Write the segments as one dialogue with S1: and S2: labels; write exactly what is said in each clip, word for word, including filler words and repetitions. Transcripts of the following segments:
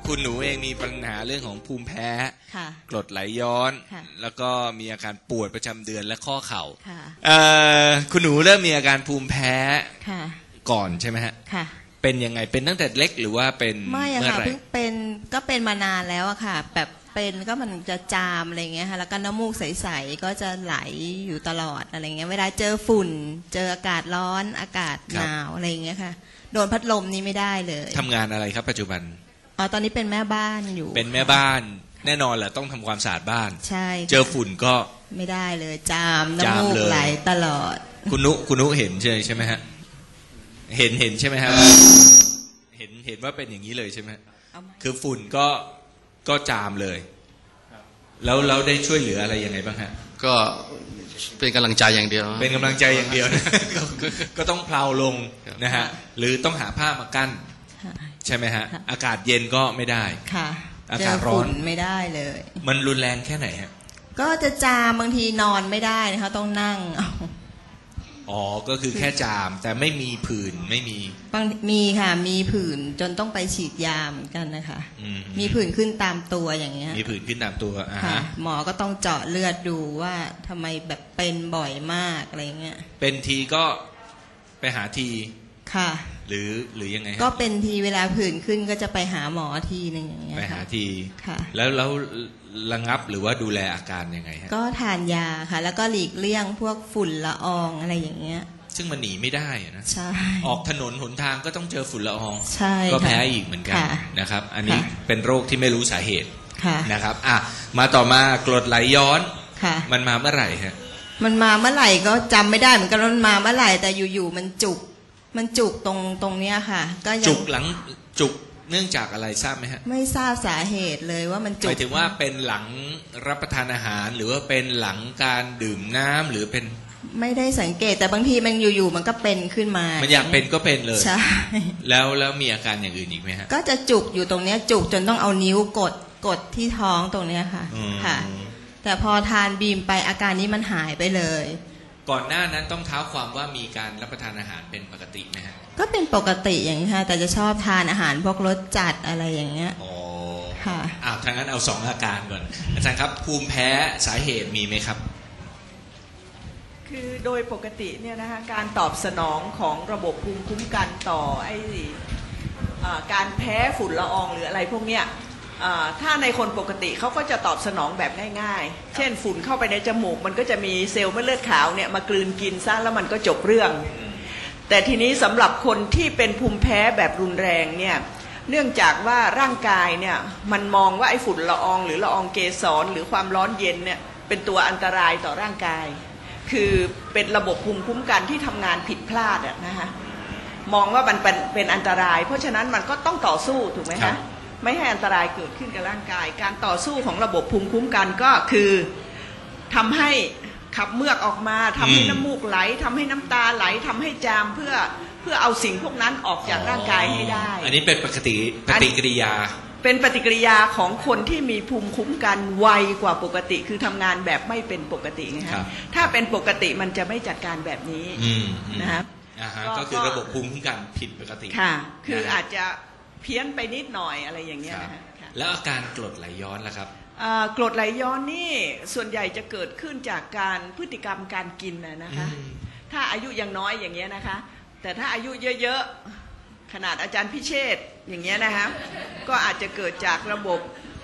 S1: คุณหนูเองมีปัญหาเรื่องของภูมิแพ้กรดไหลย้อนแล้วก็มีอาการปวดประจำเดือนและข้อเข่าคุณหนูเริ่มมีอาการภูมิแพ้ก่อนใช่ไหมฮะเป็นยังไงเป็นตั้งแต่เล็กหรือว่าเป็น
S2: ไม่อะค่ะเพิ่งเป็นก็เป็นมานานแล้วอะค่ะแบบเป็นก็มันจะจามอะไรเงี้ยค่ะแล้วก็น้ำมูกใสๆก็จะไหลอยู่ตลอดอะไรเงี้ยเวลาเจอฝุ่นเจออากาศร้อนอากาศหนาวอะไรเงี้ยค่ะโดนพัดลมนี่ไม่ได้เลย
S1: ทำงานอะไรครับปัจจุบัน
S2: อ๋อตอนนี้เป็นแม่บ้านอยู่
S1: เป็นแม่บ้านแน่นอนแหละต้องทำความสะอาดบ้าน
S2: ใช่
S1: เจอฝุ่นก็
S2: ไม่ได้เลยจามน้ำมูกไหลตลอด
S1: คุณนุคุณนุเห็นใช่ใช่ไหมฮะเห็นเห็นใช่ไหมฮะเห็นเห็นว่าเป็นอย่างนี้เลยใช่ไหมคือฝุ่นก็ก็จามเลยแล้วเราได้ช่วยเหลืออะไรยังไงบ้างฮะ
S3: ก็เป็นกำลังใจอย่างเดียว
S1: เป็นกำลังใจอย่างเดียวนะก็ต้องเพลาลงนะฮะหรือต้องหาผ้ามากั้นใช่ไหมฮะอากาศเย็นก็ไม่ได้
S2: ค่ะ
S1: อากาศร้อน
S2: ไม่ได้เลย
S1: มันรุนแรงแค่ไหนฮะ
S2: ก็จะจามบางทีนอนไม่ได้นะคะต้องนั่ง
S1: อ๋อก็คือแค่จามแต่ไม่มีผื่นไม่มี
S2: บางมีค่ะมีผื่นจนต้องไปฉีดยาเหมือนกันนะคะมีผื่นขึ้นตามตัวอย่างเงี้ย
S1: มีผื่นขึ้นตามตัวอ่า
S2: ฮะหมอก็ต้องเจาะเลือดดูว่าทำไมแบบเป็นบ่อยมากอะไรเงี้ย
S1: เป็นทีก็ไปหาที
S2: ค่ะ
S1: หรือหรือยังไง
S2: ก็เป็นทีเวลาผื่นขึ้นก็จะไปหาหมอทีนึงอย่างเงี้ย
S1: ไปหาที
S2: ค่ะ
S1: แล้วแล้วระงับหรือว่าดูแลอาการยังไงฮะ
S2: ก็ทานยาค่ะแล้วก็หลีกเลี่ยงพวกฝุ่นละอองอะไรอย่างเงี้ย
S1: ซึ่งมันหนีไม่ได้นะ
S2: ใช่
S1: ออกถนนหนทางก็ต้องเจอฝุ่นละออง
S2: ใช่
S1: ก็แพ้อีกเหมือนกันนะครับอันนี้เป็นโรคที่ไม่รู้สาเหตุนะครับอ่ะมาต่อมากรดไหลย้อนมันมาเมื่อไหร่ฮะ
S2: มันมาเมื่อไหร่ก็จำไม่ได้เหมือนกันมันมาเมื่อไหร่แต่อยู่ๆมันจุกมันจุกตรงตรงเนี้ยค่ะก็ยัง
S1: จุกหลังจุกเนื่องจากอะไรทราบไหมฮะ
S2: ไม่ทราบสาเหตุเลยว่ามันจุก
S1: หมายถึงว่าเป็นหลังรับประทานอาหารหรือว่าเป็นหลังการดื่มน้ำหรือเป็น
S2: ไม่ได้สังเกตแต่บางทีมันอยู่ๆมันก็เป็นขึ้นมา
S1: มันอยากเป็นก็เป็นเลย
S2: ใช่
S1: แล้วแล้วมีอาการอย่างอื่นอีกไหมฮะ
S2: ก็จะจุกอยู่ตรงเนี้ยจุกจนต้องเอานิ้วกดกดที่ท้องตรงเนี้ยค่ะค่ะแต่พอทานบีมไปอาการนี้มันหายไปเลย
S1: ก่อนหน้านั้นต้องเท้าความว่ามีการรับประทานอาหารเป็นปกติไหมฮะ
S2: ก็เป็นปกติอย่างนี้ค่ะแต่จะชอบทานอาหารพวกรสจัดอะไรอย่างเงี้ย
S1: อ๋อ
S2: ค่ะ
S1: อ้าวทางนั้นเอาสองอาการก่อนอาจารย์ครับภูมิแพ้สาเหตุมีไหมครับ
S4: คือโดยปกติเนี่ยนะคะการตอบสนองของระบบภูมิคุ้มกันต่อไอ้การแพ้ฝุ่นละอองหรืออะไรพวกเนี้ยถ้าในคนปกติเขาก็จะตอบสนองแบบง่ายๆเช่นฝุ่นเข้าไปในจมูกมันก็จะมีเซลล์เม็ดเลือดขาวเนี่ยมากลืนกินซะแล้วมันก็จบเรื่องแต่ทีนี้สำหรับคนที่เป็นภูมิแพ้แบบรุนแรงเนี่ยเนื่องจากว่าร่างกายเนี่ยมันมองว่าไอ้ฝุ่นละอองหรือละอองเกสรหรือความร้อนเย็นเนี่ยเป็นตัวอันตรายต่อร่างกายคือเป็นระบบภูมิคุ้มกันที่ทำงานผิดพลาดอะนะคะมองว่ามันเป็นเป็นอันตรายเพราะฉะนั้นมันก็ต้องต่อสู้ถูกไหมคะไม่ให้อันตรายเกิดขึ้นกับร่างกายการต่อสู้ของระบบภูมิคุ้มกันก็คือทำให้ขับเมือกออกมาทำให้น้ำมูกไหลทำให้น้ำตาไหลทำให้จามเพื่อเพื่อเอาสิ่งพวกนั้นออกจากร่างกายให้ได้
S1: อันนี้เป็นปกติปฏิกิริยา
S4: เป็นปฏิกิริยาของคนที่มีภูมิคุ้มกันไวกว่าปกติคือทำงานแบบไม่เป็นปกตินะครับถ้าเป็นปกติมันจะไม่จัดการแบบนี้นะครับ
S1: ก็คือระบบภูมิคุ้มกันผิดปกติ
S4: ค่ะคืออาจจะเพี้ยนไปนิดหน่อยอะไรอย่างเงี้ยนะคะ
S1: แล้วอาการกรดไหลย้อนล่ะครับ
S4: กรดไหลย้อนนี่ส่วนใหญ่จะเกิดขึ้นจากการพฤติกรรมการกินนะคะถ้าอายุยังน้อยอย่างเงี้ยนะคะแต่ถ้าอายุเยอะๆขนาดอาจารย์พิเชษอย่างเงี้ยนะคะก็อาจจะเกิดจากระบบ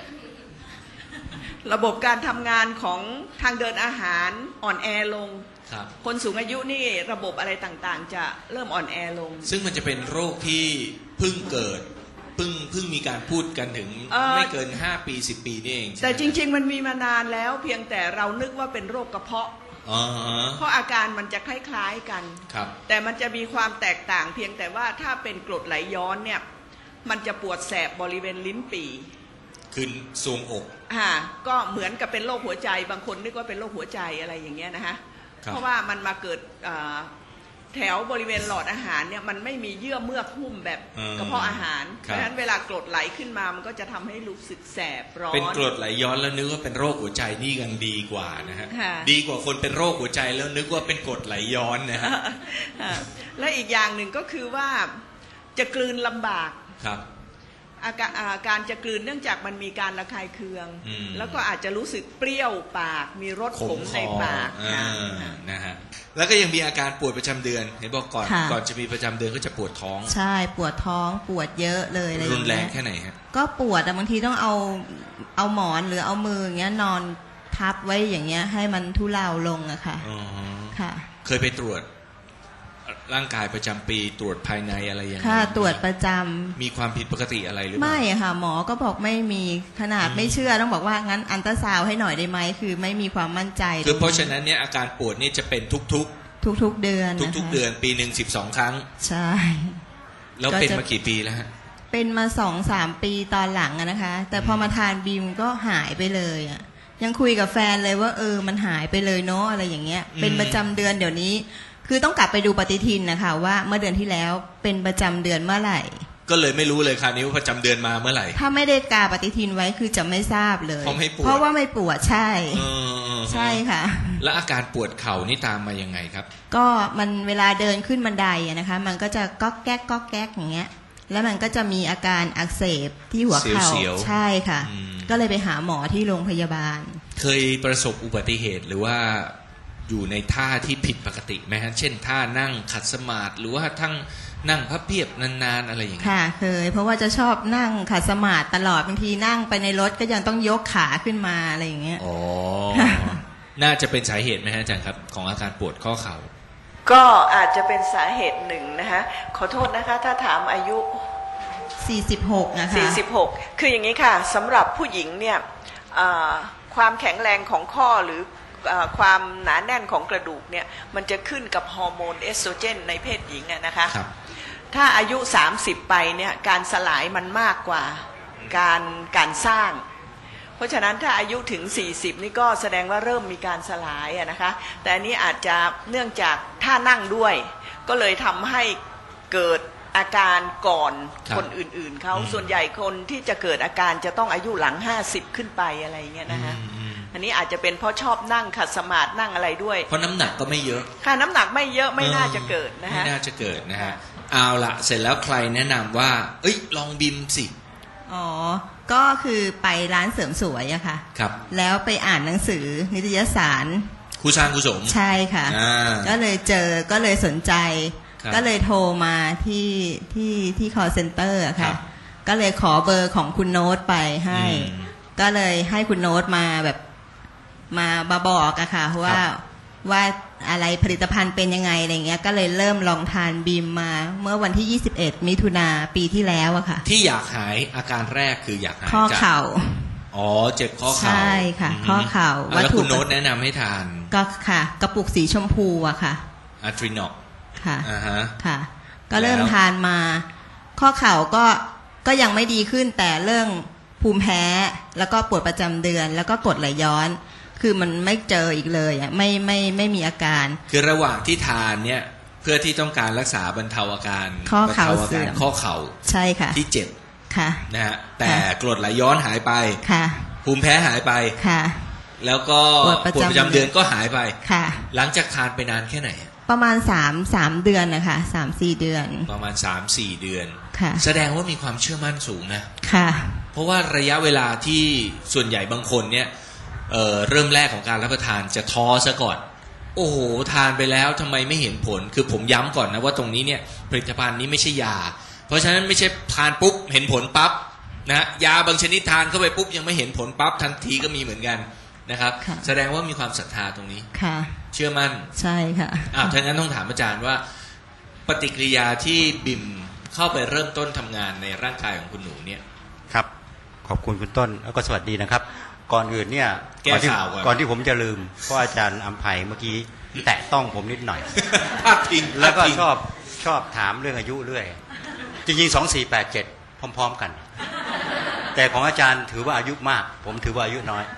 S4: ระบบการทำงานของทางเดินอาหารอ่อนแอลงคนสูงอายุนี่ระบบอะไรต่างๆจะเริ่มอ่อนแอลง
S1: ซึ่งมันจะเป็นโรคที่เพิ่งเกิดเพิ่งเพิ่งมีการพูดกันถึงไม่เกินห้าปีสิบปีนี่เอง
S4: แต่จริงๆมันมีมานานแล้วเพียงแต่เรานึกว่าเป็นโรคกระเพาะเพราะอาการมันจะคล้ายๆกันแต่มันจะมีความแตกต่างเพียงแต่ว่าถ้าเป็นกรดไหลย้อนเนี่ยมันจะปวดแสบบริเวณลิ้นปี่
S1: ขึ้นทรวงอก
S4: อ่าก็เหมือนกับเป็นโรคหัวใจบางคนนึกว่าเป็นโรคหัวใจอะไรอย่างเงี้ยนะคะเพราะว่ามันมาเกิดแถวบริเวณหลอดอาหารเนี่ยมันไม่มีเยื่อเมือกหุ้มแบบกระเพาะอาหารเพราะฉะนั้นเวลากรดไหลขึ้นมามันก็จะทำให้รู้สึกแสบร้อน
S1: เป็นกรดไหลย้อนแล้วนึกว่าเป็นโรคหัวใจนี่ยังดีกว่านะฮะดีกว่าคนเป็นโรคหัวใจแล้วนึกว่าเป็นกรดไหลย้อนนะฮะ
S4: และอีกอย่างหนึ่งก็คือว่าจะกลืนลำบาก
S1: ครับ
S4: อาการอ่าการจะกลืนเนื่องจากมันมีการระคายเคืองแล้วก็อาจจะรู้สึกเปรี้ยวปากมีรสขมในปากค่ะ
S1: นะฮะแล้วก็ยังมีอาการปวดประจำเดือนเห็นบอกก่อนก่อนจะมีประจำเดือนก็จะปวดท้อง
S2: ใช่ปวดท้องปวดเยอะเลยอะไรอย่างเงี้ย
S1: รุนแรงแค่ไหนฮะ
S2: ก็ปวดแต่บางทีต้องเอาเอาหมอนหรือเอามืออย่างเงี้ยนอนทับไว้อย่างเงี้ยให้มันทุเลาลงอะค่ะค่ะ
S1: เคยไปตรวจร่างกายประจำปีตรวจภายในอะไรอย่างเงี้ย
S2: ค่ะตรวจประจำ
S1: มีความผิดปกติอะไรหรือเปล่า
S2: ไม่ค่ะหมอก็บอกไม่มีขนาดไม่เชื่อต้องบอกว่างั้นอัลตราซาวด์ให้หน่อยได้ไหมคือไม่มีความมั่นใจ
S1: คือเพราะฉะนั้นเนี่ยอาการปวดนี่จะเป็นทุกๆ
S2: ทุกๆเดือน
S1: ทุกๆเดือนปีหนึ่งสิบสองครั้ง
S2: ใช่
S1: แล้วเป็นมากี่ปีแล้วฮะ
S2: เป็นมาสองสามปีตอนหลังนะคะแต่พอมาทานบีมก็หายไปเลยอ่ะยังคุยกับแฟนเลยว่าเออมันหายไปเลยเนาะอะไรอย่างเงี้ยเป็นประจำเดือนเดี๋ยวนี้คือต้องกลับไปดูปฏิทินนะคะว่าเมื่อเดือนที่แล้วเป็นประจำเดือนเมื่อไหร่
S1: ก็เลยไม่รู้เลยคราวนี้ว่าประจำเดือนมาเมื่อไหร่
S2: ถ้าไม่ได้กาปฏิทินไว้คือจะไม่ทราบเลย
S1: เพราะไม่ปวด
S2: เพราะว่าไม่ปวดใช่ใช่ค่ะ
S1: แล้วอาการปวดเข่านี่ตามมายังไงครับ
S2: ก็มันเวลาเดินขึ้นบันไดนะคะมันก็จะก๊อกแก๊กก๊อกแก๊กอย่างเงี้ยแล้วมันก็จะมีอาการอักเสบที่หัวเข่าใช่ค่ะก็เลยไปหาหมอที่โรงพยาบาล
S1: เคยประสบอุบัติเหตุหรือว่าอยู่ในท่าที่ผิดปกติไหมฮะเช่นท่านั่งขัดสมาธิหรือว่าทั้งนั่งพับเพียบนานๆอะไรอย่างเงี้ย
S2: ค่ะเคยเพราะว่าจะชอบนั่งขัดสมาธิตลอดบางทีนั่งไปในรถก็ยังต้องยกขาขึ้นมาอะไรอย่างเงี้ย
S1: อ๋อน่าจะเป็นสาเหตุไหมฮะอาจารย์ครับของอาการปวดข้อเข่า
S4: ก็อาจจะเป็นสาเหตุหนึ่งนะคะขอโทษนะคะถ้าถามอายุ
S2: สี่สิบหกนะคะ
S4: สี่สิบหกคืออย่างนี้ค่ะสำหรับผู้หญิงเนี่ยความแข็งแรงของข้อหรือความหนาแน่นของกระดูกเนี่ยมันจะขึ้นกับฮอร์โมนเอสโตรเจนในเพศหญิงนะคะถ้าอายุสามสิบไปเนี่ยการสลายมันมากกว่าการการสร้างเพราะฉะนั้นถ้าอายุถึงสี่สิบนี่ก็แสดงว่าเริ่มมีการสลายนะคะแต่อันนี้อาจจะเนื่องจากท่านั่งด้วยก็เลยทำให้เกิดอาการก่อนคนอื่นๆเขาส่วนใหญ่คนที่จะเกิดอาการจะต้องอายุหลังห้าสิบขึ้นไปอะไรอย่างเงี้ยนะคะอันนี้อาจจะเป็นเพราะชอบนั่งขัดสมาธินั่งอะไรด้วย
S1: เพราะน้ำหนักก็ไม่เยอะ
S4: ค่ะน้ำหนักไม่เยอะไม่น่าจะเกิดนะฮะ
S1: ไม่น่าจะเกิดนะฮะเอาละเสร็จแล้วใครแนะนำว่าเอ้ยลองบิมสิ
S2: อ๋อก็คือไปร้านเสริมสวยอะค่ะ
S1: ครับ
S2: แล้วไปอ่านหนังสือนิตยสาร
S1: ครูชางครูสม
S2: ใช่ค่ะก็เลยเจอก็เลยสนใจก็เลยโทรมาที่ที่ที่ call center อะค่ะก็เลยขอเบอร์ของคุณโน้ตไปให้ก็เลยให้คุณโน้ตมาแบบมาบาบอกอะค่ะว่าว่าอะไรผลิตภัณฑ์เป็นยังไงอะไรเงี้ยก็เลยเริ่มลองทานบีมมาเมื่อวันที่ยี่สิบเอ็ดมิถุนาปีที่แล้วอะค่ะ
S1: ที่อยากหายอาการแรกคืออยากหาย
S2: ข้อเข่า
S1: อ๋อเจ็บข้อเข่า
S2: ใช่ค่ะข้อเข่า
S1: แล้วคุณโน้ตแนะนำให้ทาน
S2: ก็ค่ะกระปุกสีชมพูอะค่ะ
S1: อะทรินอก
S2: ค่ะอ่าฮะค่ะก็เริ่มทานมาข้อเข่าก็ก็ยังไม่ดีขึ้นแต่เรื่องภูมิแพ้แล้วก็ปวดประจำเดือนแล้วก็กรดไหลย้อนคือมันไม่เจออีกเลยอ่ะไม่ไม่ไม่มีอาการ
S1: คือระหว่างที่ทานเนี่ยเพื่อที่ต้องการรักษาบรรเทาอาการ
S2: ข้อเข่าเสื่อม
S1: ข้อเข่า
S2: ใช่ค่ะ
S1: ที่เจ็บ
S2: ค่ะ
S1: นะฮะแต่กรดไหลย้อนหายไป
S2: ค่ะ
S1: ภูมิแพ้หายไป
S2: ค่ะ
S1: แล้วก็ปวดประจำเดือนก็หายไป
S2: ค่ะ
S1: หลังจากทานไปนานแค่ไหน
S2: ประมาณสามสามเดือนนะคะสามสี่เดือน
S1: ประมาณสามสี่เดือน
S2: ค่ะ
S1: แสดงว่ามีความเชื่อมั่นสูงนะ
S2: ค่ะ
S1: เพราะว่าระยะเวลาที่ส่วนใหญ่บางคนเนี่ยเอ่อเริ่มแรกของการรับประทานจะท้อซะก่อนโอ้โหทานไปแล้วทำไมไม่เห็นผลคือผมย้ำก่อนนะว่าตรงนี้เนี่ยผลิตภัณฑ์นี้ไม่ใช่ยาเพราะฉะนั้นไม่ใช่ทานปุ๊บเห็นผลปั๊บนะยาบางชนิดทานเข้าไปปุ๊บยังไม่เห็นผลปั๊บทันทีก็มีเหมือนกันนะครับแสดงว่ามีความศรัทธาตรงนี้
S2: ค่ะ
S1: เชื่อมั่น
S2: ใช่ค่ะ
S1: อ่าถ้างั้นต้องถามอาจารย์ว่าปฏิกิริยาที่บิมเข้าไปเริ่มต้นทำงานในร่างกายของคุณหนูเนี่ย
S5: ครับขอบคุณคุณต้นแล้วก็สวัสดีนะครับก่อนอื่นเนี่ย
S1: ก่อนที่
S5: ก่อนที่ผมจะลืมเพราะอาจารย์อำไพเมื่อกี้แตะต้องผมนิดหน่อย
S1: พลาดทิ้ง
S5: แล้วก็ชอบชอบถามเรื่องอายุเรื่อยจริงๆสองสี่แปดเจ็ดพร้อมๆกันแต่ของอาจารย์ถือว่าอายุมากผมถือว่าอายุน้อย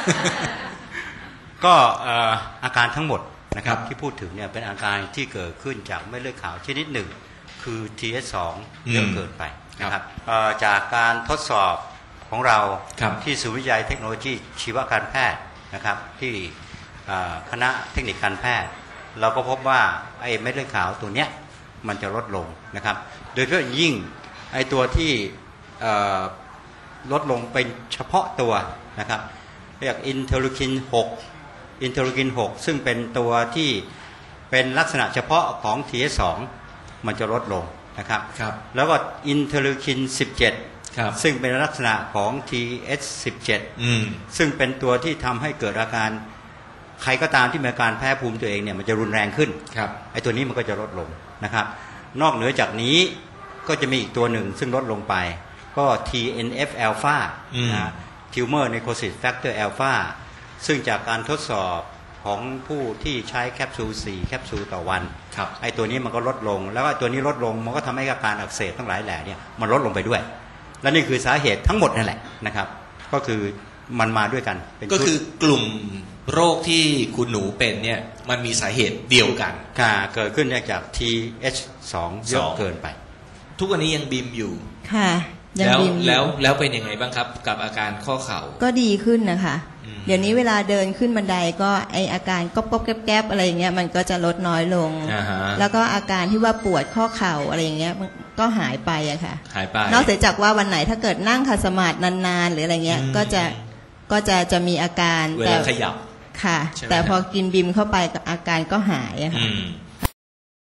S5: ก็อาการทั้งหมดนะครับที่พูดถึงเนี่ยเป็นอาการที่เกิดขึ้นจากเม็ดเลือดขาวชนิดหนึ่งคือ ที เอส สอง เยอะเกินไปนะครับจากการทดสอบของเราที่ศูนย์วิจัยเทคโนโลยีชีวการแพทย์นะครับที่คณะเทคนิคการแพทย์เราก็พบว่าไอ้เม็ดเลือดขาวตัวเนี้ยมันจะลดลงนะครับโดยเฉพาะยิ่งไอ้ตัวที่เอ่อลดลงเป็นเฉพาะตัวนะครับเรียกอินเทอร์ลูคินหกอินเทอร์ลูคินหกซึ่งเป็นตัวที่เป็นลักษณะเฉพาะของ ที เอช สอง มันจะลดลงนะครับแล้วก็อินเทอร์ลูคินสิบเจ็ดซึ่งเป็นลักษณะของ ที เอช สิบเจ็ด ซึ่งเป็นตัวที่ทำให้เกิดอาการใครก็ตามที่มีอาการแพ้ภูมิตัวเองเนี่ยมันจะรุนแรงขึ้นไอ้ตัวนี้มันก็จะลดลงนะครับนอกเหนือจากนี้ก็จะมีอีกตัวหนึ่งซึ่งลดลงไปก็ ที เอ็น เอฟ alpha นะ tumor necrosis factor alpha ซึ่งจากการทดสอบของผู้ที่ใช้แคปซูลสี่แคปซูลต่อวันไอ้ตัวนี้มันก็ลดลงแล้วก็ตัวนี้ลดลงมันก็ทำให้อาการอักเสบทั้งหลายแหล่เนี่ยมันลดลงไปด้วยและนี่คือสาเหตุทั้งหมดนั่นแหละนะครับก็คือมันมาด้วยกัน
S1: ก็คือกลุ่มโรคที่คุณหนูเป็นเนี่ยมันมีสาเหตุเดียวกัน
S5: ค่ะเกิดขึ้นจาก ที เอช สอง เยอะเกินไป
S1: ทุกวันนี้ยังบิมอยู่
S2: ค่ะ
S1: แล้วแล้วแล้วเป็นยังไงบ้างครับกับอาการข้อเข่า
S2: ก็ดีขึ้นนะคะเดี๋ยวนี้เวลาเดินขึ้นบันไดก็ไออาการก๊อบก๊อบแก๊บแก๊บอะไรอย่างเงี้ยมันก็จะลดน้อยลงแล้วก็อาการที่ว่าปวดข้อเข่าอะไรอย่างเงี้ยก็หายไปอะค่ะ
S1: หายไป
S2: นอกจากว่าวันไหนถ้าเกิดนั่งขัดสมาธินานๆหรืออะไรเงี้ยก็จะก็จะจะมีอาการ
S1: เวลาขยับ
S2: ค่ะแต่พอกินบิมเข้าไปอาการก็หายอะค่ะ